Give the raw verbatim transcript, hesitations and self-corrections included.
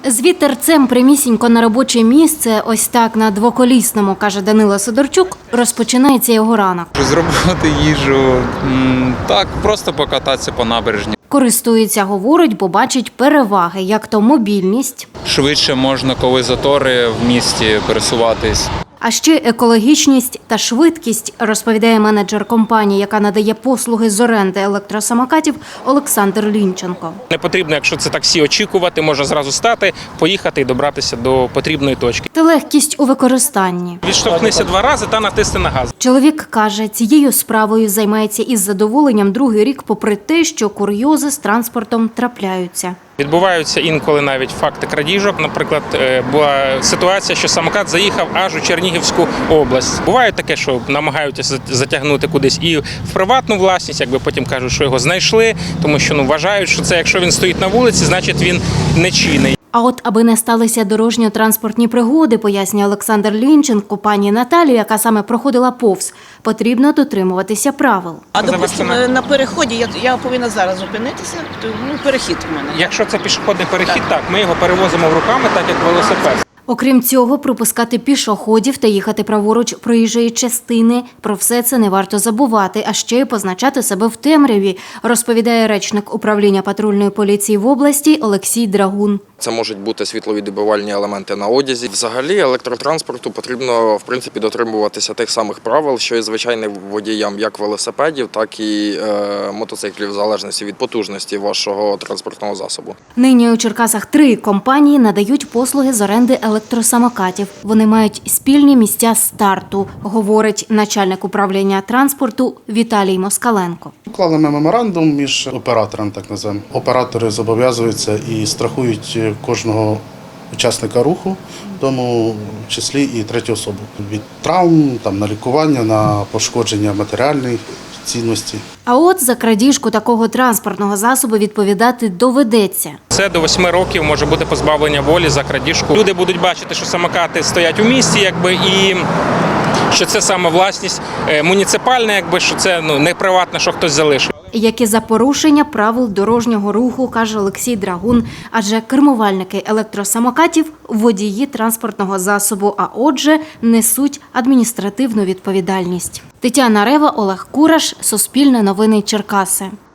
З вітерцем прямісінько на робоче місце, ось так на двоколісному, каже Данило Сидорчук, розпочинається його ранок. Зробити їжу, так, просто покататися по набережні. Користується, говорить, бо бачить переваги, як то мобільність. Швидше можна, коли затори в місті, пересуватись. А ще екологічність та швидкість, розповідає менеджер компанії, яка надає послуги з оренди електросамокатів Олександр Лінченко. Не потрібно, якщо це таксі, очікувати, можна зразу стати, поїхати і добратися до потрібної точки. Та легкість у використанні. Відштовхнися два рази та натисни на газ. Чоловік каже, цією справою займається із задоволенням другий рік, попри те, що курйози з транспортом трапляються. Відбуваються інколи навіть факти крадіжок. Наприклад, була ситуація, що самокат заїхав аж у Чернігівську область. Буває таке, що намагаються затягнути кудись і в приватну власність, якби потім кажуть, що його знайшли, тому що ну, вважають, що це якщо він стоїть на вулиці, значить він нечинний. А от аби не сталися дорожньо-транспортні пригоди, пояснює Олександр Лінченко, пані Наталію, яка саме проходила повз, потрібно дотримуватися правил. А, допустимо, на переході я, я повинна зараз зупинитися, ну, перехід у мене. Якщо це пішохідний перехід, так. так, ми його перевозимо руками, так як велосипед. Окрім цього, пропускати пішоходів та їхати праворуч проїжджої частини. Про все це не варто забувати, а ще й позначати себе в темряві, розповідає речник управління патрульної поліції в області Олексій Драгун. Це можуть бути світловідбивальні елементи на одязі. Взагалі електротранспорту потрібно, в принципі, дотримуватися тих самих правил, що і звичайним водіям як велосипедів, так і е, мотоциклів, в залежності від потужності вашого транспортного засобу. Нині у Черкасах три компанії надають послуги з оренди електросамокатів. Вони мають спільні місця старту, говорить начальник управління транспорту Віталій Москаленко. Уклали ми меморандум між оператором, так називаємо. Оператори зобов'язуються і страхують кожного учасника руху, в тому числі і третю особу. Від травм, там, на лікування, на пошкодження матеріальної цінності. А от за крадіжку такого транспортного засобу відповідати доведеться. Це до восьми років може бути позбавлення волі за крадіжку. Люди будуть бачити, що самокати стоять у місті, якби, і що це саме власність муніципальна, якби, що це ну, не приватне, що хтось залишив. Як і за порушення правил дорожнього руху, каже Олексій Драгун, адже кермувальники електросамокатів – водії транспортного засобу, а отже, несуть адміністративну відповідальність. Тетяна Рева, Олег Кураш, Суспільне новини Черкаси.